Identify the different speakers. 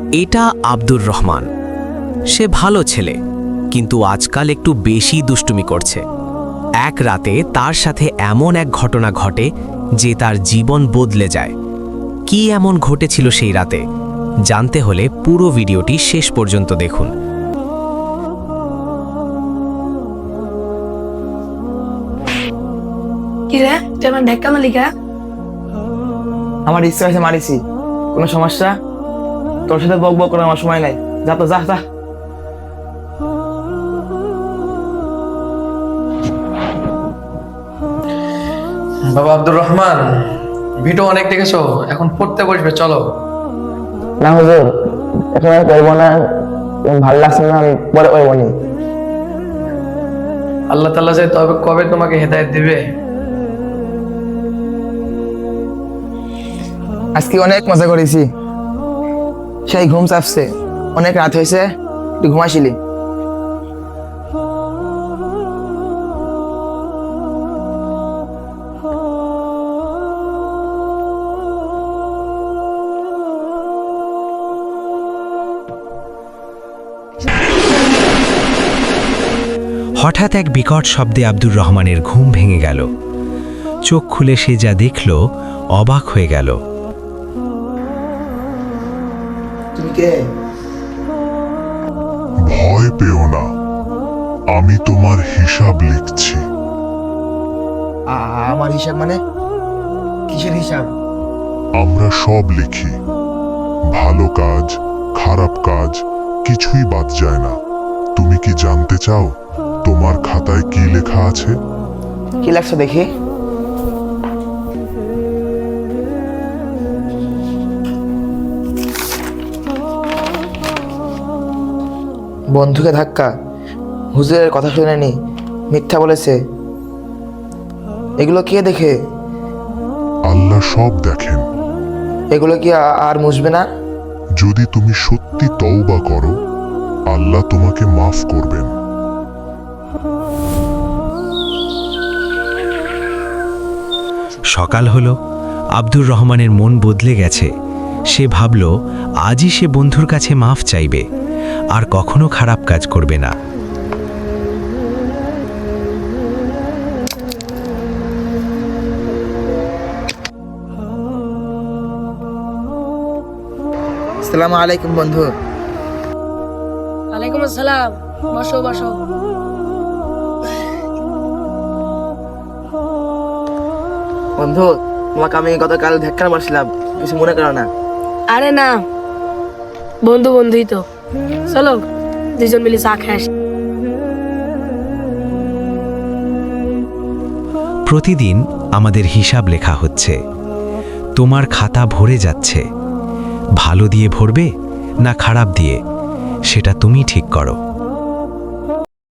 Speaker 1: এটা আব্দুর রহমান। সে ভালো ছেলে, কিন্তু আজকাল একটু বেশি দুষ্টুমি করছে। এক রাতে তার সাথে এমন এক ঘটনা ঘটে যে তার জীবন বদলে যায়। কি এমন ঘটেছিল সেই রাতে জানতে হলে পুরো ভিডিওটি শেষ পর্যন্ত দেখুন।
Speaker 2: কি রে, তুই আমার ঢেক্কা মালিকা?
Speaker 3: আমার ইচ্ছা হয়েছে মারিছি। কোনো সমস্যা? তোর সাথে বক বক করার আমার সময় নাই। যা তো যা যা।
Speaker 4: বাবা আব্দুর রহমান, ভিডিও অনেক দেখেছো, এখন পড়তে বসবে, চলো।
Speaker 3: না হুজুর, এখন আর করবো না। ভালো লাগছে না, আমি পরে করবো নি।
Speaker 4: আল্লাহ তাআলা যে তবে কবে তোমাকে হেদায়েত দিবে।
Speaker 3: আজকে অনেক মজা করেছি, সেই ঘুম চাপছে। অনেক রাত হয়েছে, একটু ঘুমাইছিলি।
Speaker 1: হঠাৎ এক বিকট শব্দে আব্দুর রহমানের ঘুম ভেঙে গেল। চোখ খুলে সে যা দেখল, অবাক হয়ে গেল।
Speaker 3: তুমি কে?
Speaker 5: ভয় পেও না, আমি তোমার হিসাব লিখছি।
Speaker 3: আমার হিসাব মানে? কিসের হিসাব?
Speaker 5: আমরা সব লিখি, ভালো কাজ, খারাপ কাজ, কিছুই বাদ যায় না। তুমি কি জানতে চাও তোমার খাতায় কি লেখা আছে?
Speaker 3: কি লাগছে দেখি। বন্ধুকে ধাক্কা, হুজুরের কথা শুনেনি, মিথ্যা বলেছে। এগুলো কে দেখে?
Speaker 5: আল্লাহ সব দেখেন।
Speaker 3: এগুলো কি আর মুছবে না?
Speaker 5: যদি তুমি সত্যি তওবা করো, আল্লাহ তোমাকে মাফ করবেন।
Speaker 1: সকাল হলো, আব্দুর রহমানের মন বদলে গেছে। সে ভাবল আজই সে বন্ধুর কাছে মাফ চাইবে, আর কখনো খারাপ কাজ করবে না।
Speaker 3: আসসালামু আলাইকুম বন্ধু।
Speaker 2: ওয়ালাইকুম আসসালাম। বসো বসো।
Speaker 3: বন্ধু, তোমাকে আমি গতকাল ধাক্কা মারছিলাম, কিছু মনে করো না।
Speaker 2: আরে না, বন্ধু বন্ধুই তো। চলো দুজন মিলে চা খেয়ে আসি।
Speaker 1: প্রতিদিন আমাদের হিসাব লেখা হচ্ছে। তোমার খাতা ভরে যাচ্ছে। ভালো দিয়ে ভরবে না খারাপ দিয়ে, সেটা তুমি ঠিক করো।